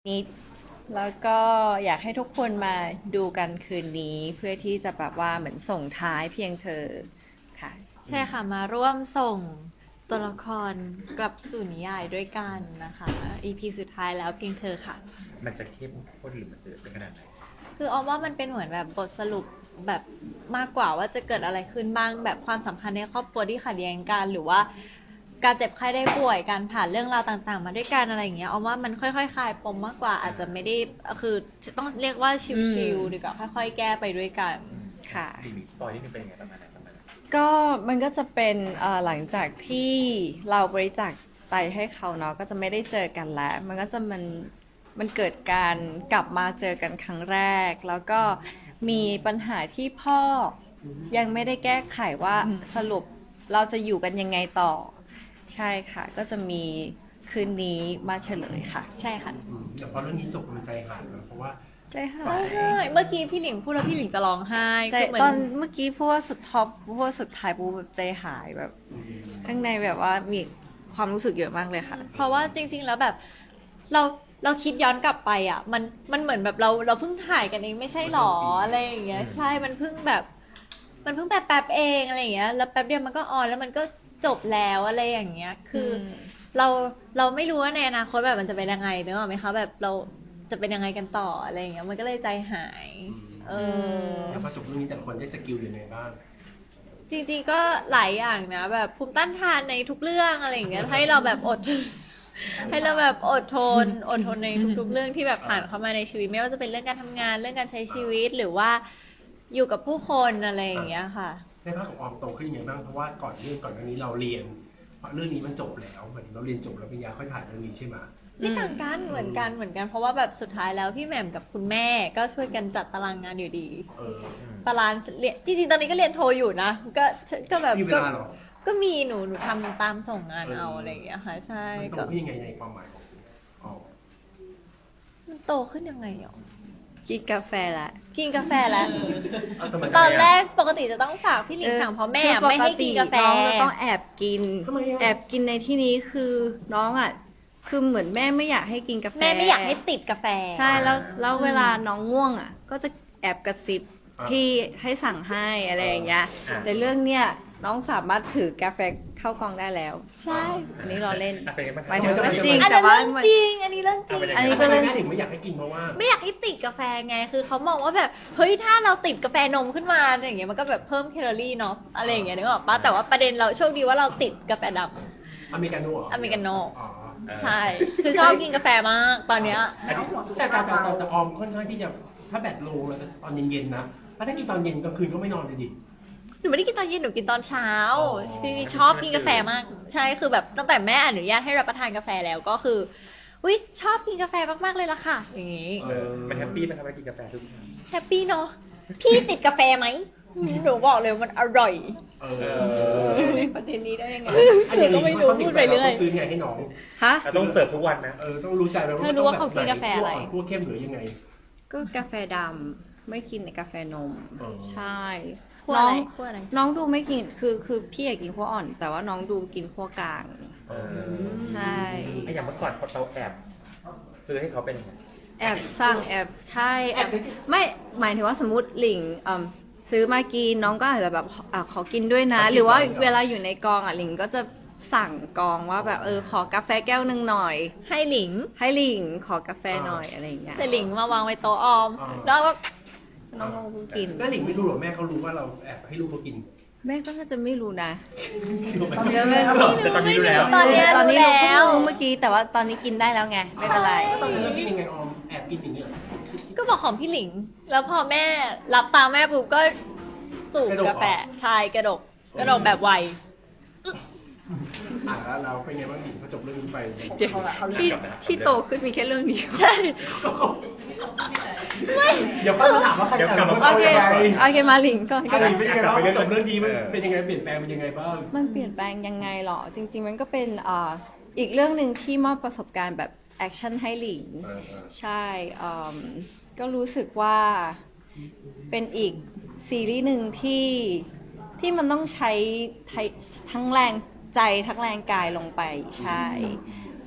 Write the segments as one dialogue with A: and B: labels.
A: นี้แล้วก็อยากให้ทุกคนมาดูกันคืนนี้เพื่อที่จะแบบว่าเหมือนส่งท้ายเพียงเธอค่ะ
B: ใช่ค่ะมาร่วมส่งตัวละครกลับสู่นิยายด้วยกันนะคะ EP สุดท้ายแล้วเพียงเธอค่ะ
C: มันจะเข้มข้นหรือมันจะเป็นขนาดไหน
B: คือออมว่ามันเป็นเหมือนแบบบทสรุปแบบมากกว่าว่าจะเกิดอะไรขึ้นบ้างแบบความสัมพันธ์ในครอบครัวที่ขัดแย้งกันหรือว่าการเจ็บไข้ได้ป่วยการผ่านเรื่องราวต่างๆมาด้วยกันอะไรอย่างเงี้ยออมว่ามันค่อยๆคลายปมมากกว่าอาจจะไม่ได้คือต้องเรียกว่าชิลๆดีกว่าค่อยๆแก้ไปด้วยกัน
A: ค่ะ
C: มีสปอยนิดนึงเป็นยังไงประมาณไหนประมาณไหน
A: ก็มันก็จะเป็นหลังจากที่เราบริจาคไตให้เขาเนาะก็จะไม่ได้เจอกันแล้ว มันก็จะมันเกิดการกลับมาเจอกันครั้งแรก แล้วก็มีปัญหาที่พ่อยังไม่ได้แก้ไขว่าสรุปเราจะอยู่กันยังไงต่อ ใช่ค่ะ ก็จะมีคืนนี้มาเฉลยค่ะ
B: ใช่ค่ะ
D: แต่พอเรื่องนี้จบมันใจหายนะเพราะว่า
A: ใจหา
B: ร้อง
A: ย
B: ไห้เมื่อกี้พี่หลิงพูดแล้วพี่หลิงจะร้องไห้
A: ใจ
B: คือเหมือน
A: ตอนเมื่อกี้พูดว่าสุดท็อปพูดว่าสุดท้ายปูแบบใจหายแบบข้างในแบบว่ามีความรู้สึกเยอะมากเลยค่ะ
B: เพราะว่าจริงๆแล้วแบบเราคิดย้อนกลับไปอ่ะมันเหมือนแบบเราเพิ่งถ่ายกันเองไม่ใช่หรออะไรอย่างเงี้ยใช่มันเพิ่งแบบแป๊บเองอะไรอย่างเงี้ยแล้วแป๊บเดียวมันก็ออนแล้วมันก็จบแล้วอะไรอย่างเงี้ยคืออ
A: ม
B: เราไม่รู้ว่าในอนาคตแบบมันจะเป็นยังไงเนอะไหมคะแบบเราจะเป็นยังไงกันต่ออะไรอย่างเงี้ยมันก็เลยใจหายเออ
D: แล้วพอจบเรื่องนี้แต่ละคนได้สกิลยังไงบ้าง
B: จริงๆก็หลายอย่างนะแบบภูมิต้านทานในทุกเรื่องอะไรอย่างเงี้ยให้เราแบบอด ให้เราแบบอดทนในทุกๆเรื่องที่แบบผ่านเข้ามาในชีวิตไม่ว่าจะเป็นเรื่องการทำงานเรื่องการใช้ชีวิตหรือว่าอยู่กับผู้คนอะไรอย่างเงี้ยค่ะ
D: ในภาคของออมโตขึ้นยังไงบ้างเพราะว่าก่อนหน้านี้เราเรียนเพราะเรื่องนี้มันจบแล้วเหมือนเราเรียนจบแล้วปริญญาค่อยถ่ายเรื่องนี้ใช่ไหม
B: ไม่ต่างกันเหมือนกันเพราะว่าแบบสุดท้ายแล้วพี่แหม่มกับคุณแม่ก็ช่วยกันจัดตารางงานอยู่ดี
D: เออ
B: ตารางเรียนจริงๆตอนนี้ก็เรียนโทอยู่นะก็แบบ
D: มีเวลาเหรอ
B: ก็มีหนูทำตามส่งงานเอาอะไรอย่างเงี้ยค่ะใช่
D: มันโต
B: ก็
D: ขึ้นยังไงในความหมายของออม
B: มันโตขึ้นยังไงหรอ
A: กินกาแฟละ
B: กินกาแฟแล้ว
D: เาทำไม
B: ตอนแรกปกติจะต้องฝากพี่หลิงสั่งเพราะแม่
A: คือ
B: ไม่ให้กินกาแฟ
A: น้องจะต้องแอบกิน
D: ทำไมอะ
A: แอบกินในที่นี้คือน้องอ่ะคือเหมือนแม่ไม่อยากให้กินกาแฟ
B: แม่ไม่อยากให้ติดกาแฟ
A: ใช่แล้วเวลาน้องง่วงอ่ะ ก็จะแอบกระซิบพี่ให้สั่งให้อะไรอย่างเงี้ยแต่เรื่องเนี้ยน้องสามารถถือกาแฟเข้ากองได้แล้ว
B: ใช่
A: อันนี้เราเล่น
C: อ่ะเป็นยังไงบ้าง
A: หมายถึงเรื่องจริง
B: อัน
A: แต่
B: นั้น
A: ว่า
B: เรื่องจริง อันนี้เรื่องจริง
A: อันนี้
D: ก็
A: ก็
D: เล
A: เรื่
D: ย
A: อง
D: แม่ถึงไม่อยากให้กินเพราะว่า
B: ไม่อยากให้ติดกาแฟไง คือเขามองว่าแบบเฮ้ยถ้าเราติดกาแฟนมขึ้นมาอย่างเงี้ยมันก็แบบเพิ่มแคลอรี่เนาะอะไรอย่างเงี้ยนึกออกปะแต่ว่าประเด็นเราโชคดีว่าเราติดกาแฟด
D: อเมริกาโน่เหรอ
B: อเมริกาโน่
D: อ๋อ
B: ำใช่ คือชอบกินกาแฟมากตอนเนี้ย
D: แต่ออมค่อนข้างที่จะถ้าแบตโลงแล้วตอนเย็นๆนะแล้วถ้ากินตอนเย็นกลางคืนก็ไม่นอนเลยดิ
B: หนูไม่ได้กินตอนเย็นหนูกินตอนเช้า
D: อ๋อ
B: คือชอบกินกาแฟมาก ใช่คือแบบตั้งแต่แม่อนุญาตให้รับประทานกาแฟแล้วก็คืออุ้ยชอบกินกาแฟมากๆเลยล่ะค่ะ อย่างงี้
C: มันแฮปปี้ไหมครับเวลากินกาแฟทุกครั้ง
B: แฮปปี้เนาะพี่ติดกาแฟไหมหนูบอกเลยมันอร่อย
D: เอ
A: ประเด็นนี้ได้ยังไง
D: อันนี้
B: หนูก็ไม่รู้พูดไปเรื่อย
D: ต้องซื้อไงให้น้อง
A: ฮะ
C: เราต้องเสิร์ฟทุกวันนะ
D: ต้องรู้ใจไหมว่า
B: เธอรู้ว่าเขากินกาแฟอะไร
D: พวกเข้มหรือยังไง
A: ก็กาแฟดำไม่กินในกาแฟนม
D: อ๋อ
A: ใช่
B: ขั้ว
A: น้
B: อะ
A: อ
B: ไรง ขั้วอะไร
A: น้องดูไม่กินคือพี่อยากกินขั้วอ่อน แต่ว่าน้องดูกินขั้วกลาง ใช่
C: ไอ้อย่างเมื่อก่อนเราแอบซื้อให้เขาเป็นยังไง
A: แอบสั่งแอบใช่แอบไม่หมายถึงว่าสมมติหลิงซื้อมากินน้องก็อาจจะแบบขอกินด้วยนะ หรือว่าเวลาอยู่ในกองหลิงก็จะสั่งกองว่าแบบขอกาแฟแก้วหนึ่งหน่อย
B: ให้หลิง
A: ให้หลิงขอกาแฟหน่อยอะไรอย่างเงี้ย
B: แต่หลิงมาวางไว้โต๊ะออม
D: อ๋อ
B: แล้วก็
A: น้องก็กิน
D: แล้วหลิงไม่รู้หรอแม่เขารู้ว่าเราแอบให้ลูกเขากิน
A: แม่ก็น่าจะไม่รู้นะ
D: ตอนนี้
A: แม่
C: แต่ตอนนี้รู้แล้ว
B: ตอนเนี้ย
A: ตอนนี้
B: รู้
A: เรา
B: แล้ว
A: เพิ่งรู้เมื่อกี้แต่ว่าตอนนี้กินได้แล้วไงไม่เป็นไร
D: ตอนนั้นเรากินยังไงออมแอบกินอย่างเงี้ย
B: ก็บอกของพี่หลิง แล้วพอแม่รับตามแม่ปุ๊บก็สูบกาแฟใช่กระดกแบบไว
D: แล้วเราเป็นไงบ้างหลิงพอจบเรื่องนี้ไป
A: เดี๋ยวที่โตขึ้นมีแค่เรื่องเดียว
B: ใช่
D: เดี๋ยวค่อยมาถามว่าใคร
C: เดี๋ยวกลับมา
A: โอเค
D: ยังไง
A: โอเคมาหลิงก่อน
D: อะไรเป็นยังไงบ้างจบเรื่องนี้มันเป็นยังไงเปลี่ยนแปลงเป็นยังไงบ้าง
A: มันเปลี่ยนแปลงยังไงหรอ จริง ๆ มันก็เป็นอีกเรื่องหนึ่งที่มอบประสบการณ์แบบแอคชั่นให้หลิง ใช่ก็รู้สึกว่าเป็นอีกซีรีส์หนึ่งที่มันต้องใช้ทั้งแรงใจทั้งแรงกายลงไปใช่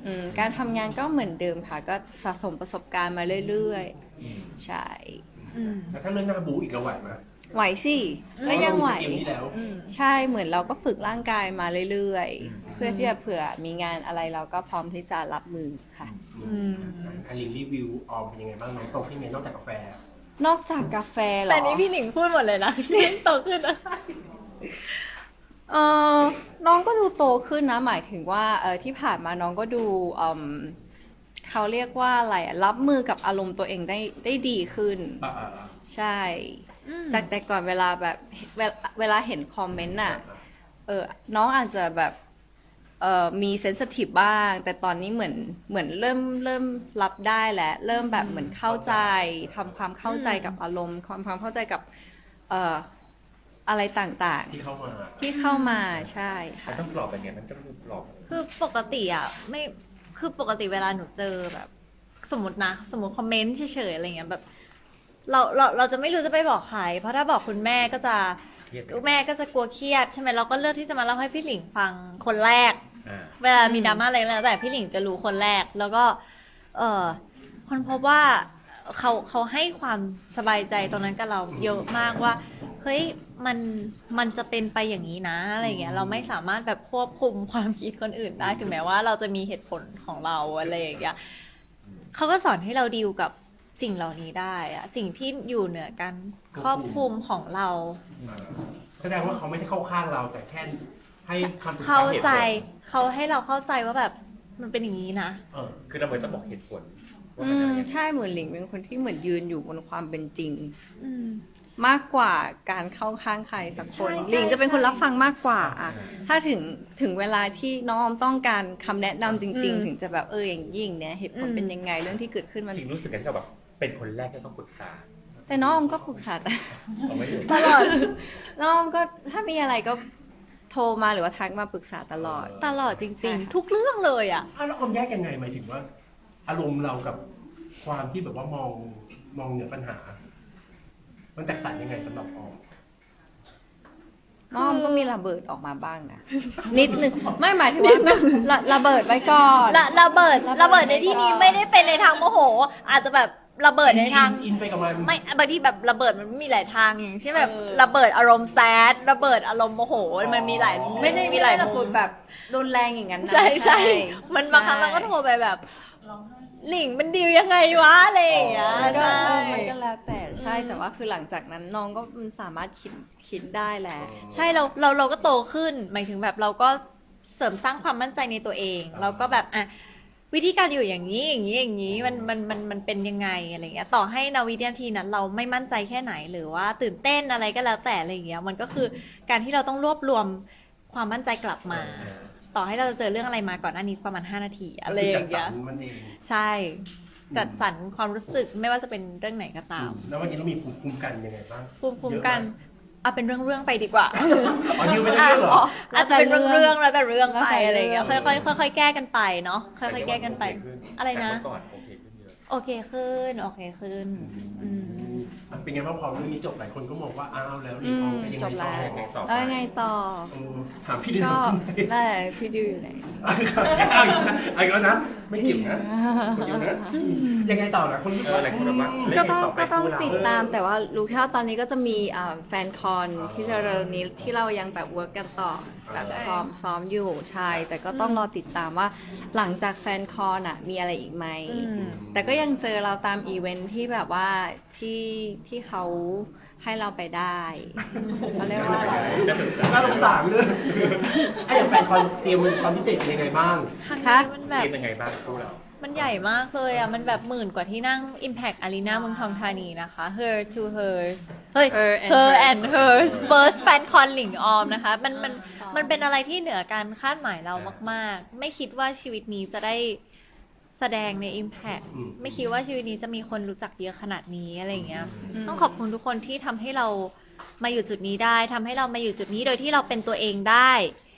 A: การทำงานก็เหมือนเดิมค่ะ ก็สะสมประสบการณ์มาเรื่อยๆ ใช่
D: แล้วถ้าเรื่องหน้าบูอีกเราไหวไหม
A: ไหวสิก็ยังไหว
D: เรามีสกิลนี้แล้ว
A: ใช่เหมือนเราก็ฝึกร่างกายมาเรื่อยๆ เพื่อที่จะเผื่อมีงานอะไรเราก็พร้อมที่จะรับมือค่ะ
D: อลินรีวิวออมเป็นยังไงบ้างน้องโตขึ้นไงนอกจากกาแฟ
A: นอกจากกาแฟเหรอ
B: แต่นี้พี่หลิงพูดหมดเลยนะโตขึ้นอะไร
A: เออน้องก็ดูโตขึ้นนะ หมายถึงว่าที่ผ่านมาน้องก็ดูเขาเรียกว่าอะไรอะรับมือกับอารมณ์ตัวเองได้ดีขึ้น ใช่ จากแต่ก่อนเวลาแบบเวลาเห็นคอมเมนต์น่ะน้องอาจจะแบบมีเซนซิทีฟบ้าง แต่ตอนนี้เหมือนเริ่มรับได้แหละเริ่มแบบเหมือนเข้าใจทำความเข้าใจกับอารมณ์ความเข้าใจกับอะไรต่างๆ
D: ที่เข้ามา
A: ที่เข้ามาใช่
C: มัน
A: ค่ะ
C: ต้องปลอบเป็นไงมันต้องปลอบ
B: คือปกติอ่ะไม่คือปกติเวลาหนูเจอแบบ สมมติคอมเมนต์เฉยๆอะไรเงี้ยแบบเราจะไม่รู้จะไปบอกใครเพราะถ้าบอกคุณแม่ก็จะ
C: เครียด
B: แม่ก็จะกลัวเครียดใช่ไหมเราก็เลือกที่จะมาเล่าให้พี่หลิงฟังคนแรก
C: อ่า
B: เวลามีดราม่าอะไรก็แล้วแต่พี่หลิงจะรู้คนแรก แล้วก็คนพบว่าเขาให้ความสบายใจตรงนั้นกับเราเยอะมากว่าเฮ้ยมันจะเป็นไปอย่างนี้นะอะไรเงี้ยเราไม่สามารถแบบควบคุมความคิดคนอื่นได้ถึงแม้ว่าเราจะมีเหตุผลของเราอะไรอย่างเงี้ยเขาก็สอนให้เราดีลกับสิ่งเหล่านี้ได้อะสิ่งที่อยู่เหนือการครอบคลุมของเรา
D: แสดงว่าเขาไม่ได้เข้าข้างเราแต่แค่ให้คำปรึกษา
B: เข้าใจ
D: หตุผล
B: เขาให้เราเข้าใจว่าแบบมันเป็นอย่างนี้นะ
C: คือเราไม่ต้องบอกเหตุผลว่ามันอะไรยังไง
A: ใช่เหมือนหลิงเป็นคนที่เหมือนยืนอยู่บนความเป็นจริง
B: อืม
A: มากกว่าการเข้าข้างใครสักคน
B: ใช่
A: หลิงจะเป็นคน
B: ใช่
A: รับฟังมากกว่าอะถ้าถึงเวลาที่น้องต้องการคำแนะนำจริง ๆ ถึงจะแบบอย่างยิ่งเนี่ยเหตุผลเป็นยังไงเรื่องที่เกิดขึ้นมัน
C: จริงรู้สึกไงที่เราแบบเป็นคนแรกที่ต้องปรึกษา
A: แต่น้องก็ปรึกษา
C: เอาไม่อยู่
A: ตลอด น้องก็ถ้ามีอะไรก็โทรมาหรือว่าทักมาปรึกษาตลอด
B: ตลอดจ
A: ใช่
B: ริง
A: ค่ะ
B: ๆ ทุกเรื่องเลยอ่ะ
D: แล้วออมแยกยังไงหมายถึงว่า อารมณ์เรากับความที่แบบว่ามองเหนือปัญหา มันแตกต่างยังไงสำหรับออม
A: น้องก็มีระเบิดออกมาบ้างนะ นิดนึงไม่หมายถึงว่าระเบิดไว้ก่อน
B: ระเบิดในที่นี้ไม่ได้เป็นในทางโมโห อาจจะแบบระเบิดในทาง
D: อินไปกับมัน
B: ไม่บางทีแบบระเบิดมันมีหลายทางอย่างเช่นแบบ
A: เออ
B: ระเบิดอารมณ์แซดระเบิดอารมณ์โมโหมันมีหลาย
A: ไม่ได้
B: มีหลาย
A: ระ
B: มุ
A: เบิด
B: ม
A: แบบรุนแรงอย่างนั้นนะ
B: ใช่มันบางครั้งเราก็โทรไปแบบหลิงมันดีลยังไงวะอะไรอย่างเงี้ย
A: มันก็
B: ใช่
A: มันก็แล้วแต่ใช่แต่ว่าคือหลังจากนั้นน้องก็มันสามารถคิดได้แหละ
B: ใช่เราก็โตขึ้นหมายถึงแบบเราก็เสริมสร้างความมั่นใจในตัวเองเราก็แบบอ่ะวิธีการอยู่อย่างนี้มันเป็นยังไงอะไรเงี้ยต่อให้นาวินาทีนั้นเราไม่มั่นใจแค่ไหนหรือว่าตื่นเต้นอะไรก็แล้วแต่อะไรเงี้ยมันก็คือการที่เราต้องรวบรวมความมั่นใจกลับมา ต่อให้เราจะเจอเรื่องอะไรมาก่อนหน้านี้ประมาณ5 นาทีอะไรอย่างเงี้ย
D: จัดสรรมันเอง
B: ใช่จัดสรรความรู้สึกไม่ว่าจะเป็นเรื่องไหนก็ตาม
D: แล้ววันนี้เรามีภูมิคุ้มกันยังไงบ้าง
B: ภูมิคุ้มกัน
D: เยอะไห
B: เอาเป็นเรื่องๆไปดีกว่า
D: อ๋อดิวเป็นเรื่องเหรอ
B: อาจจะเป็นเรื่องๆแล้วแต่เรื่องไป
A: แล้วแต่เรื่อง
B: อะไรอย่างเงี้ยค่อยๆแก้กันไปเนาะค่อยๆแก้กันไป อะไรนะ
C: แต่เมื่อก่อนโอเคขึ้นเยอะ
B: โอเคขึ้นอืม
D: เป็นไงบ้างพอเรื่องนี้จบหลายคนก็มองว่าอ้าวแล้วเรียนออมไปยัง
A: จ
D: ไง
A: บ
D: ต่อ
A: แล้ว
C: ยังไงต่อ
A: แล้วยังไงต่อ
D: ถามพี่ดิว
A: ก็นั่นแหละพี่ดิวอยู่ไหน
D: เอาอีกแล้วนะไม่เกี่ยวนะคนเดียวนะยังไงต่อนะคนที่
C: หลายคนแบบว่าเล่น
A: ก็
C: กัน
A: ต้อง
C: ต่อไป
A: ก็ต้อง
C: คู่เรา
A: ติดตามแต่ว่ารู้แค่ว่าตอนนี้ก็จะมีแฟนคอนที่จะเร็วนี้ที่เรายังแบบเวิร์กกันต่อแบบซ้อมอยู่ใช่แต่ก็ต้องรอติดตามว่าหลังจากแฟนคอนอ่ะมีอะไรอีกไหม แต่ก็ยังเจอเราตามอีเวนท์ที่แบบว่าที่เขาให้เราไปได้เขาเรียกว่าอะไร
D: น่าสงสารเลยไอ้อย่างแฟนคอนเตรียมความพิเศษยังไงบ้าง
B: ครั้ง
A: คะ
B: นี้มันแบบ
C: เกมยังไงบ้างคู่เรา
B: มันใหญ่มากเลยอ่ะ มันแบบ10,000 กว่าที่นั่ง Impact Arena เมืองทองธานีนะคะ Her to Hers เฮ้ย Her and Hers First Fan Con หลิงออมนะคะ มันเป็นอะไรที่เหนือการคาดหมายเรามากๆ ไม่คิดว่าชีวิตนี้จะได้แสดงใน Impact ไม่คิดว่าชีวิตนี้จะมีคนรู้จักเยอะขนาดนี้อะไรอย่างเงี้ย ต้องขอบคุณทุกคนที่ทำให้เรามาอยู่จุดนี้ได้ทำให้เรามาอยู่จุดนี้โดยที่เราเป็นตัวเองได้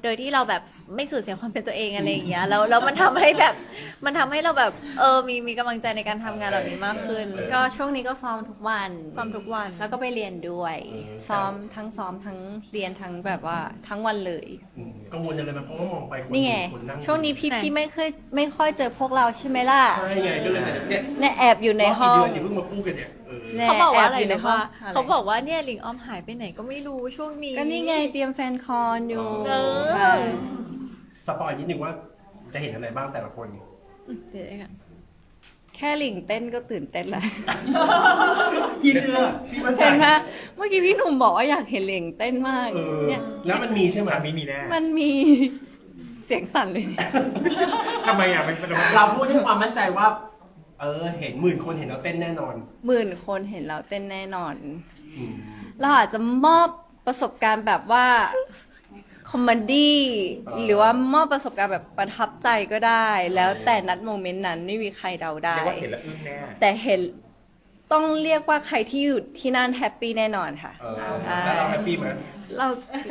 B: โดยที่เราแบบไม่สูญเสียความเป็นตัวเองอะไรอย่างเงี้ยแล้วมันทำให้แบบมันทำให้เราแบบมีกำลังใจในการทำงานเหล่านี้มากขึ้น
A: ก็ช่วงนี้ก็ซ้อมทุกวัน
B: ซ้อมทุกวัน
A: แล้วก็ไปเรียนด้วย ซ้อมทั้งเรียนทั้งแบบว่าทั้งวันเลย
D: กังวลอะไรไหมเพราะว่ามองไปคน
A: นี่ไง
D: คนนั่ง
A: ช่วงนี้
B: ไหน
A: พี่ไม่ค่อยเจอพวกเราใช่ไหมล่ะ
D: ใช่ไงก็เลยเนี่ย
A: เนี่ยแอบอยู่ในห้อง
D: กี่เดือนอย่าเพิ่งมาพูดกันเนี่ย
A: เนี่ย
B: เขาบอกว่าอะไร
A: แบยู่ใน
B: นะ
A: ห้อง
B: ว่าเขาบอกว่าเนี่ยหลิงออมหายไปไหนก็ไม่รู้ช่วงนี้
A: ก็นี่ไงเตรียมแฟนคอนอยู่
B: เออ
A: ค่ะ
D: สปอยนิดนึงว่าจะเห็นอะไรบ้างแต่ละคน
B: เดี๋ยวกัน
A: แค่หลิงเต้นก็ตื่นเต้นแล้ว
D: พี่เชื่อพี่มั่นใจ
A: เห็นไหมเมื่อกี้พี่หนุ่มบอกว่าอยากเห็นหลิงเต้นมาก เนี่ย
D: แล้วมันมีใช่ไหม
C: มีแน่
A: มันมีเสียงสั่นเลย
C: ทำไมอ่ะมัน
D: เราพูดด้วยความมั่นใจว่า เห็น10,000 คนเห็นเราเต้นแน่นอน
A: 10,000 คนเห็นเราเต้นแน่นอน
D: อืม
A: เราอาจจะมอบประสบการณ์แบบว่าคอมเมดี้หรือว่ามอบประสบการณ์แบบประทับใจก็ได้ แล้วแต่นัดโมเมนต์นั้นไม่มีใครเดาได้
C: เรียกว่าเห็นแล้วอึ้งแน่
A: แต่เห็นต้องเรียกว่าใครที่อยู่ที่นั่นแฮปปี้แน่นอนค่ะ
D: แล้วเราแฮปปี้ไหม
A: เรา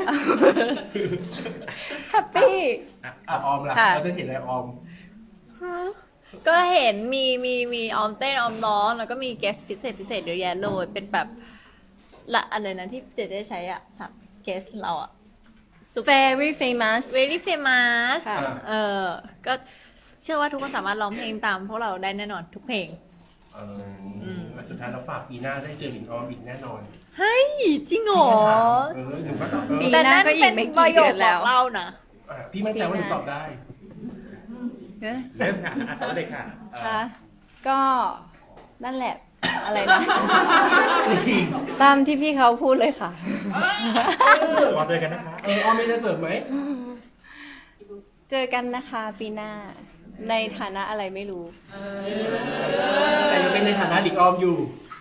A: แฮปปี้
D: ออมล่ะ
A: ค่ะ
D: เราจะเห็นอะไรออม
B: ก็เห็นมีออมเต้นออมร้องแล้วก็มีเกสพิเศษเยอะแยะเลยเป็นแบบละอะไรนะที่เจได้ใช้อ่ะสับเกสเราอ่ะ
A: very famous
B: very famous
A: ค่ะ
B: ก็เชื่อว่าทุกคนสามารถร้องเพลงตามพวกเราได้แน่นอนทุกเพลง
D: สุดท้ายเราฝากปีหน้าได้เจอหลิงออมอีกแน่นอน
B: เฮ้ยจริงเหรอ
D: หนูก็ตอบ
A: ปีหน้าก็อีกไม่กี่เดือนแล้ว
B: ต่นั่นเป็นประโยคบอกเล่านะ
D: พี่มั่นใจว่าหนูตอบได้
A: เอ๊ะ
C: เริ่มค่ะต่อเลยค่ะ
A: ค่ะก็นั่นแหละ อะไรนะ ตามที่พี่เขาพูดเลยค่ะ
C: รอเจอกันนะคะ
D: ออมมีจะเสริมไหม
A: เจอกันนะคะปีหน้า ในฐานะอะไรไม่รู้
D: แต่ยังเป็นในฐานะหลิงออมอยู่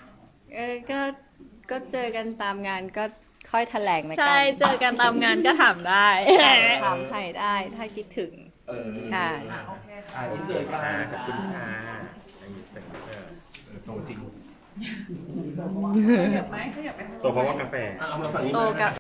A: ก็เจอกันตามงานก็ค่อยแถลงนะกั
B: ใช่เจอกันตามงานก็ถามได้
A: ถามใครได้ถ้าคิดถึง ค่ะ
D: อินเสิร์ต
C: ค่ะ
D: ค่ะ
C: ขอบคุณค่ะอินเสิร์ต
D: ตรงจริง
C: ตัวเพราะว่ากาแฟ
D: เอามาฝั่งนี้
A: โต
D: นะ
A: กับ